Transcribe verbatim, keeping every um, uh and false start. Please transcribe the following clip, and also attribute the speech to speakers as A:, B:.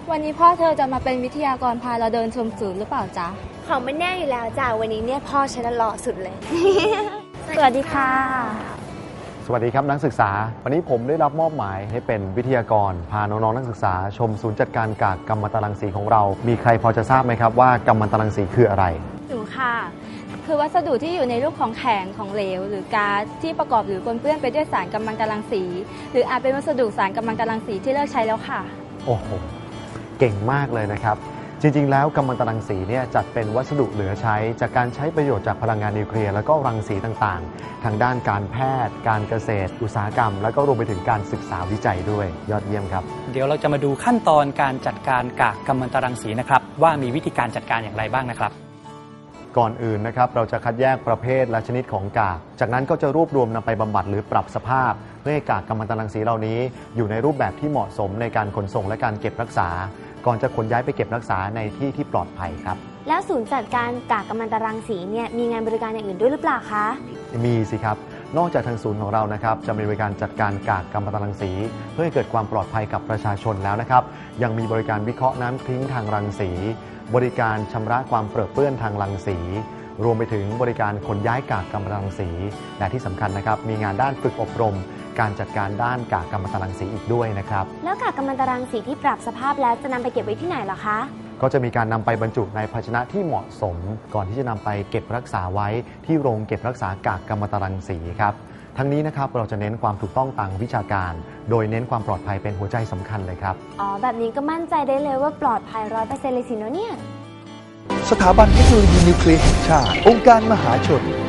A: วันนี้พ่อเธอจะมาเป็นวิทยากรพาเราเดินชมศูนย์หรือเปล่าจ๊ะ
B: ของไม่แน่อยู่แล้วจ้ะวันนี้เนี่ยพ่อฉันหล่อสุดเลย
A: สวัสดีค่ะ
C: สวัสดีครับนักศึกษาวันนี้ผมได้รับมอบหมายให้เป็นวิทยากรพาน้องๆนักศึกษาชมศูนย์จัดการกากกัมมันตรังสีของเรามีใครพอจะทราบไหมครับว่ากัมมันตรังสีคืออะไร
A: หนูค่ะคือวัสดุที่อยู่ในรูปของแข็งของเหลวหรือก๊าซที่ประกอบหรือปนเปื้อนไปด้วยสารกัมมันตรังสีหรืออาจเป็นวัสดุสารกัมมันตรังสีที่เลิกใช้แล้วค่ะ
C: โอ้โหเก่งมากเลยนะครับจริงๆแล้วกัมมันตรังสีเนี่ยจัดเป็นวัสดุเหลือใช้จากการใช้ประโยชน์จากพลังงานนิวเคลียร์แล้วก็รังสีต่างๆทางด้านการแพทย์การเกษตรอุตสาหกรรมแล้วก็รวมไปถึงการศึกษาวิจัยด้วยยอดเยี่ยมครับ
D: เดี๋ยวเราจะมาดูขั้นตอนการจัดการกากกัมมันตรังสีนะครับว่ามีวิธีการจัดการอย่างไรบ้างนะครับ
C: ก่อนอื่นนะครับเราจะคัดแยกประเภทและชนิดของกากจากนั้นก็จะรวบรวมนำไปบำบัดหรือปรับสภาพเพื่อให้กากกัมมันตรังสีเหล่านี้อยู่ในรูปแบบที่เหมาะสมในการขนส่งและการเก็บรักษาก่อนจะขนย้ายไปเก็บรักษาในที่ที่ปลอดภัยครับ
B: แล้วศูนย์จัดการกากกัมมันตรังสีเนี่ยมีงานบริการอย่างอื่นด้วยหรือเปล่าคะ
C: มีสิครับนอกจากทางศูนย์ของเรานะครับจะมีบริการจัดการกากกัมมันตรังสีเพื่อให้เกิดความปลอดภัยกับประชาชนแล้วนะครับยังมีบริการวิเคราะห์น้ำทิ้งทางรังสีบริการชำระความเปรอะเปื้อนทางรังสีรวมไปถึงบริการขนย้ายกากกัมมันตรังสีและที่สำคัญนะครับมีงานด้านฝึกอบรมการจัดการด้านกากกัมมันตรังสีอีกด้วยนะครับ
B: แล้วกากกัมมันตรังสีที่ปรับสภาพแล้วจะนำไปเก็บไว้ที่ไหนล่ะคะ
C: ก็จะมีการนำไปบรรจุในภาชนะที่เหมาะสมก่อนที่จะนำไปเก็บรักษาไว้ที่โรงเก็บรักษากากกัมมันตรังสีครับทั้งนี้นะครับเราจะเน้นความถูกต้องทางวิชาการโดยเน้นความปลอดภัยเป็นหัวใจสำคัญเลยครับ
B: อ๋อแบบนี้ก็มั่นใจได้เลยว่าปลอดภัยร้อยเปอร์เซ็นต์เลยสิเนาะเนี่ย
E: สถาบันเทคโนโลยีนิวเคลียร์แห่งชาติองค์การมหาชน